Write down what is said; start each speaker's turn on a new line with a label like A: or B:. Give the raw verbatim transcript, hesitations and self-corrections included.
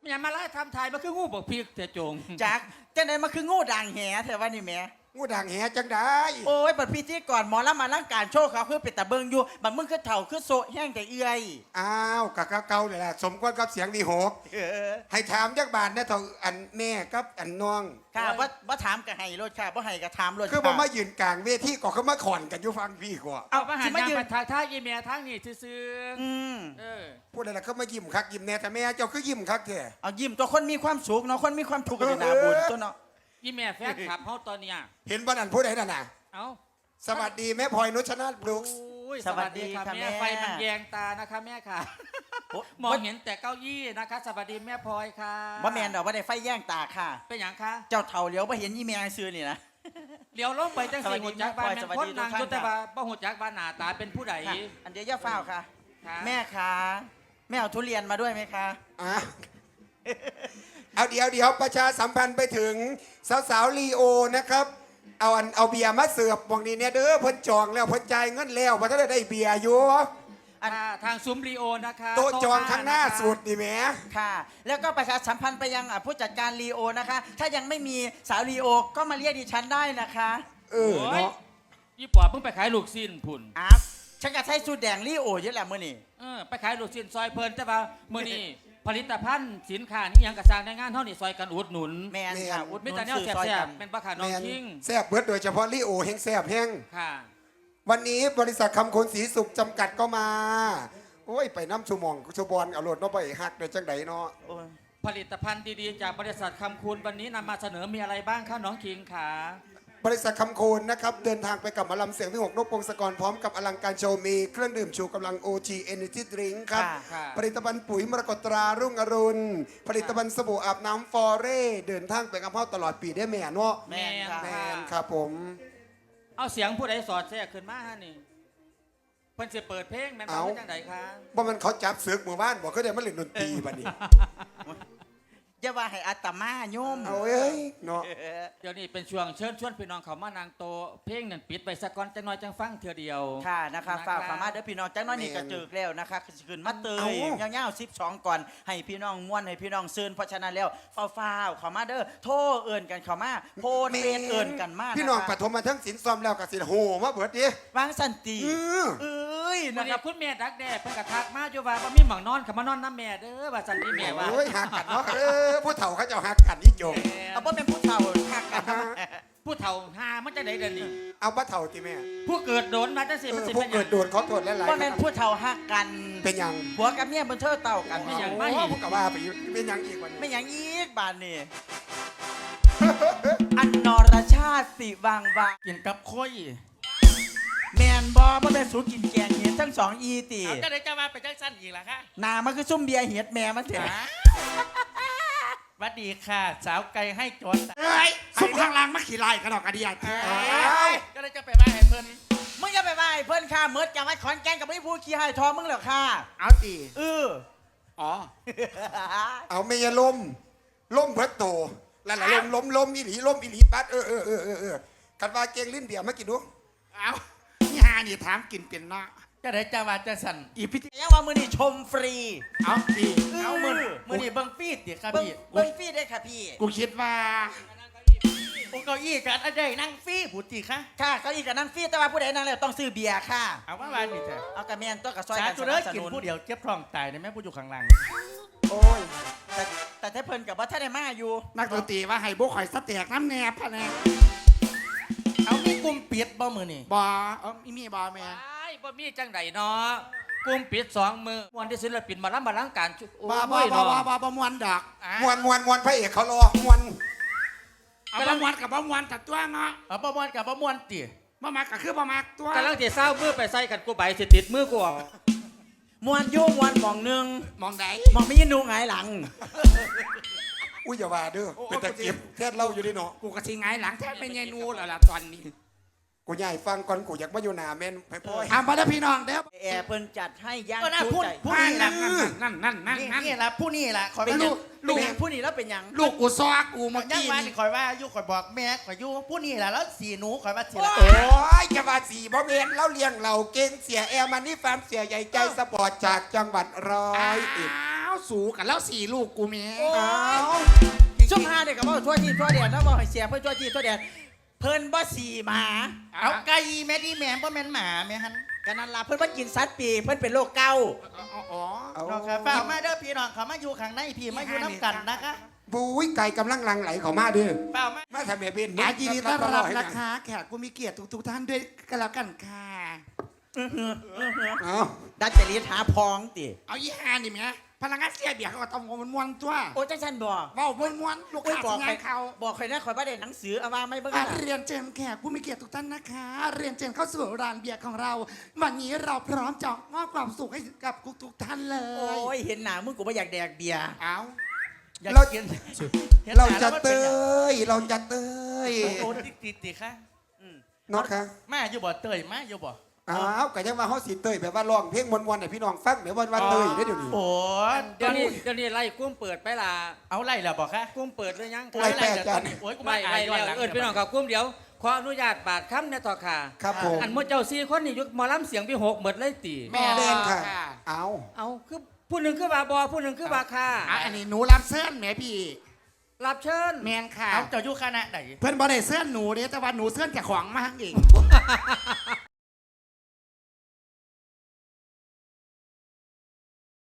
A: อย่ามาไล่ทำทายมาคืองูบอกพีกแต่จง
B: จากจังได๋มาคืองูด่างแหแท้ว่านี่แหม
C: งูด่างแหจังได้
B: โอ้ยบัดพี่ที่ก่อนหมอลำมาร่างการโชว์เขาคือเป็นตะเบิงอยู่บัดมึงคือเถ่าคือโซแห้งแต่เอื้อย
C: อ้าวกะเก่าๆนี่แหละสมควรกับเสียงดีหกให้ถามจักบาทนะเท่าอันแม่กับอันน้อง
B: ค่ะว่าว่าถามกับให้รถค่ะว่าให้กับถามรถ
C: คือบ่มายืนกลางเวทีก็คือมาขอนกันอยู่ฟังพี่กว่า
A: เอามาหันยางไปทางท่ายีเมียทางนี่ซื่อ
B: อืม
A: เออ
C: พูดอะไรเขามายิ้มคักยิ้มแน่แต่แม่เจ้าคือยิ้มคักแท้
B: เอายิ้มตัวคนมีความสุขเนาะคนมีความทุกข์กันหน้าบุญตัวเนาะ
A: ยี่แม่แฟนขับเขาตอนเนี้ย
C: เห็นบ้านอันพูดไหนน่ะนะ
A: เอ้า
C: สวัสดีแม่พลอยนุชนาถบลูก
A: สวัสดีค่ะแม่ไฟมันแยงตานะคะแม่ค่ะมองเห็นแต่เก้าอี้นะคะสวัสดีแม่พลอยค่ะ
B: ว่าแมนดอกว่าได้ไฟแย่งตาค่ะ
A: เป็นอย่างคะ
B: เจ้าเถ่าเลี้ยวว่าเห็นยี่แมงซื้อนี่นะ
A: เลี้ยวลงไปจังสีหุ่นจักรบ้านเป็นคนนางจุดแต่ว่าบ่หุ่นจักรบ้านหน้าตาเป็นผู้ใด
B: อันเดียวย่าฝ้าวค่ะแม่ค่ะแม่เอาทุเรียนมาด้วยไหมคะ
C: อ่ะเอาเดี๋ยวเดี๋ยวประชาสัมพันธ์ไปถึงสาวๆลีโอนะครับเอาอันเอาเบียร์มาเสิร์ฟวงนี้เนี่ยเด้อเพิ่นจองแล้วเพิ่นจ่ายเงินแล้วเพราะถ้าได้เบียร์อยู่
A: ทางซุ้มลีโอนะคะ
C: โต๊ะจองข้างหน้าสุดดิแม่
B: ค่ะแล้วก็ประชาสัมพันธ์ไปยังผู้จัดการลีโอนะคะถ้ายังไม่มีสาวลีโอก็มาเรียกดิฉันได้นะคะ
C: เออเนาะ
A: ยี่ปอเพิ่งไปขายลูกชิ้นพุ่น
B: อ่ะฉันก็ใช้สูตรแดงลีโอเยอะแหละมื่อนี้
A: เออไปขายลูกชิ้นซอยเพลินแต่ว่ามื่อนี้ผลิตภัณฑ์สินค้านี่ยังกระซางในงานเท่านี้ซอยกันอุดหนุน
B: แม่นค่ะอุดหนุน
A: ไม่แต่เนี่ยแซ่บๆเป็นปลาขาน้องทิ้ง
C: แซ่บเบิดโดยเฉพาะลีโอแห้งแซ่บแห้ง
A: ค่ะ
C: วันนี้บริษัทคำคนศรีสุขจำกัดก็มาโอ้ยไปน้ำชูมองชูบอลเอารถเนาะไปหักโดยจังไดเนาะ
A: ผลิตภัณฑ์ดีๆจากบริษัทคำคูณวันนี้นำมาเสนอมีอะไรบ้างคะน้องคิงค่ะ
C: บริษัทคำโคนนะครับเดินทางไปกับหมอลำเสียงที่หกนกพงศกรพร้อมกับอลังการโชว์มีเครื่องดื่มชูกำลัง โอ จี Energy Drink ครับผลิตภัณฑ์ปุ๋ยมรกตตรารุ่งอรุณผลิตภัณฑ์สบู่อาบน้ำฟอเร่เดินทางไปกับพ่อตลอดปีได้แม่เนาะ
B: แม่
C: แม่ครับผม
A: เอาเสียงผู้ใดสอดแทรกขึ้นมาฮะนี่เพิ่นจะเปิดเพลงแม่นบ่จังไดคะ
C: บ่มันเขาจับศึกหมู่บ้านบอกเขาได้มาเล่นดนตรีบัดนี้
B: อย่าว่าให้อาตมาโยม
C: เอาเอ้ยเนาะ
A: เดี๋ยวนี้เป็นช่วงเชิญชวนพี่น้องเขามานางโตเพลงนั่นปิดไปสักก่อนจังน้อยจังฟังเทื่อเดียว
B: ค่ะนะคะฝากเข้ามาเด้อพี่น้องจังน้อยนี่ก็จึกแล้วนะคะขึ้นมาเตยยาวๆสิบสองก่อนให้พี่น้องม่วนให้พี่น้องซื่นเพราะฉะนั้นแล้วฟ้าวๆเข้ามาเด้อโทรเอิ้นกันเข้ามาโพนเฟซเอิ้นกันมา
C: พี่น้องปฐมมาทั้งสินซ้อมแล้วก็สิโหมาเบิดดิ
B: วางสันติเอ้ย
A: นะครับคุณแม่ดักแด้เพิ่นก็ทักมาอยู่ว่าบ่มีหม่องนอนเข้ามานอนนำแม่เด้อว่าสันติแม่ว่า
C: โอ้ยหักกันเนาะเออผู้เฒ่าเขาเจ้าหักกันนี่จง
B: เอาบ่เป็นผู้เฒ่าหักกัน
A: ผู้เฒ่าหามันจะได้เดินนี่
C: เอาบ่เฒ่าติแม่
A: ผู้เกิดโดนมาจังซี่มันสิเป็นหยัง
C: ผู้เกิดโดนขอโทษหลาย
B: ๆบ่แม่นผู้เฒ่าหักกัน
C: เป็นหยัง
B: ผัวกับเมียบนเทิดเต่ากัน
A: เป็นหยัง
C: ไม่ผู้ก็ว่าไปเป็นหยังอีกวันนี้
B: ไม่หยังอีกบาดนี้อันนรชาติสิวางวาง
A: กินกับข้อย
B: แมนบอบ่แม่นสูกินแกงเห็ดทั้งสองอีตี
A: จะได้จะมาไปจังสั้นอีกล่ะคะ
B: หน้ามันคือซุ่มเบียร์เห็ดแม่มันเถอะ
A: สวัสดีค่ะสาวไก่ให้จน
C: เอ้ยซุ่มข้างล่างมาขี่ไล่กันดอกกระเดียด
A: ก็เลยจะไปบ้านให้เพิ่น
B: มึงจะไปบ้านให้เพิ่นค่ะเมิดจังหวัดขอนแก่นกับไม่พูดขี้ให้ทอมึงเหรอค่ะ
C: เอาตี
B: เออ
A: อ๋อ
C: เอาไม่ยาล้มล้มเบิดโตแล้วล้มล้มล้มอีหลีล้มอีหลีปัดเออเออเออเออคันว่าเก่งลิ้นเบียร์มากินดู
A: เอานี่ฮานี่ถามกินเป็นเนาะจะได้จะว่าจะสั่น
B: อีพิธียังว่ามือนี่ชมฟรี
A: เอาดีเอามือมือนี่เบิ้งฟีดดิครับพี่
B: เบิ้งฟีดได้ค่ะพี่
A: กูคิดว่าโอ้เก้าอี้กันอะไรนั่งฟีผู้ตีค่ะ
B: ค่ะเก้าอี้กับนั่งฟีดแต่ว่าผู้ใดนั่งแล้วต้องซื้อเบียร์ค่ะ
A: เอาว่าวันนี้เถอะ
B: เอากระเมียนตัวกับซอย
A: กันสนับสนุนผู้เดียวเจ็บท้องตายในแม่ผู้อยู่ข้างล่าง
B: โอ้ยแต่แต่ถ้าเพิ่นกับว่าถ้าได้มาอยู่
A: นักดนตรีว่าให้บุกข่อยสเต็กน้ำแนบพะแนเอามีกลุ่มปิดบ่มือนี่
C: บ่
A: เออมีมีบ่แม่บ่มีจังไดเนาะกลุ่มปิดสองมือมวนที่ศิลปินมาล้ำมาล้างการ
C: บ่บ่บ่บ่บ่บ่มวนดอกมวนมวนมวนพระเอกเขารอมวน
A: เอาบ่มวนกับบ่มวนตัดตัวเนาะเอาบ่มวนกับบ่มวนติบ่มักก็คือบ่มักตัวกำลังสิเศร้ามือไปใส่กันกูใบสิติดมือกู
B: มวนโยมวนมองนึง
A: มองใด
B: มองไม่ยินดูหงายหลัง
C: อุ้ยอย่าว่าเด้อเป็นตะเกียบแท้เล่าอยู่ดิเนาะ
A: กูก็สิหงายหลังแท้เป็นยายนูแล้วล่ะตอนนี้
C: กูใหญ่ฟังก่อนกูอยากมาอยู่หน้าแม่นไปพ่อย
A: ถามมาแล้วพี่น้องเด้อ
B: แอร์เพิ่นจัดให้ย่าง
A: ชูใจผู้นี้ล่ะนั่นนั่นนั่น
B: นี่ล่ะผู้นี้ล่ะขอเป็นลูกลูกผู้นี้แล้วเป็นหยัง
A: ลูกกูซอกกูเมื่อ
B: กี้นี่ข่อยว่าอยู่ข่อยบอกแม่ข่อยอยู่ผู้นี้ล่ะแล้วสีหนูข่อยว่าสีละ
C: โอ้ยจะว่าสีบ่แม่นแล้วเลี้ยงเราเก่งเสียแอร์มันนี่ฟาร์มเสียใหญ่ใจสปอร์ตจากจังหวัดร้อยเอ็ด
D: าวสูกันแล้วสี่ลูกกูแม่
C: อ้าว
B: ช่วงห้าเด็กก็บอกทั่วที่ทั่วแดนนะบอกให้เสียเพื่อทั่วที่ทั่วแดนเพิ่นบ่สี่หมา
D: เอาไก่แม่ดีแม่บ่แม่นหมาแม่ฮัน
B: กันนั่นล่ะเพิ่นบ่กินสัตว์ปีเพิ่นเป็นโรคเกาต์
D: อ๋อ
C: เอา
A: น้องครับฝากมาเด้อพี่น้องเขามาอยู่ข้างในพี่มาอยู่น้ำกันนะคะ
C: บุ้ยไก่กำลังหลังไหลเข้ามาเด้อ
A: เปล่ามา
C: มาทำแบบเป็น
D: อายินดีต้อนรับนะคะแขกผู้มีเกียรติทุกๆท่านด้วยกันแล้วกันค่ะ
C: เอา
B: ดัดจริตหาพองติ
D: เอายี่ห้านี่แม่พนักงานเสียเบียร์เขาก็ต้องมันม้วนๆตัว
B: โอ้จังซั่นบ่
D: เว้าม้วนๆลูก
B: โอ้ย
D: ค้า
B: บอก
D: ทำ
B: ใครง
D: านเขา
B: บอกใครนะข่อยบ่ได้หนังสือเอามาไม่เบิ่ง
D: อ่ะ
B: น่ะ
D: เรียนเชิญแขกผู้มีเกียรติทุกท่านนะคะ เรียนเชิญเข้าสู่ร้านเบียร์ของเรา วันนี้เราพร้อมจะมอบความสุขให้กับทุกๆท่านเล
B: โอ้
D: ย
B: ยเห็นหน้ามึงกูบ่อยากแดกเบียร์
D: เอา
B: อยาก
C: เรา
B: กิน
C: เราจะเตยเราจะเตย
A: โอ้ติดติดติดค่ะ
C: เนาะค่ะ
A: มาอยู่บ่เตยมาอยู่บ่
C: อ้าวก็ยังว่าเฮาสิเตยแบบว่าร้องเพลงมวนๆให้พี่น้องฟังแบบว่าว่าเตยได้อเดี๋ยวนี้
A: โอ้
E: เดี๋ยวนี้เดี๋ยวนี้ไล่กุ้มเปิดไปล่ะ
A: เอาไล่แล้วบ่คะ
E: กุ้มเปิดหรือยัง
C: ไล่แปดจาน
A: โอ้ยกู
E: ไล่
A: มา
E: ไล่
A: ย้อน
E: แล้ว
A: หลัง
E: เอิญพี่น้องกับกุ้มเดี๋ยวขออนุญาตบาดคำเนี่ยต่อค่ะ
C: ครับผม
E: อันหมดเจ้าสี่คนนี่ยุคหมอลำเสียงพี่หกเหมือนเลยตี
D: แม่
C: เดินค่ะ
D: ค่ะ
C: เอา
E: เอาคือผู้หนึ่งคือบาบอผู้หนึ่งคือบาค่ะ
D: อ่ะอันนี้หนูรับเสื้อแม่พี่
E: รับเชิญ
D: แมนค่ะ
A: เอาเจ้าอยู่คณะไหน
D: เพื่อนบอได้เสื้อหนูเด้แต่ว่าหนูเสื้อจากของมาให้เอง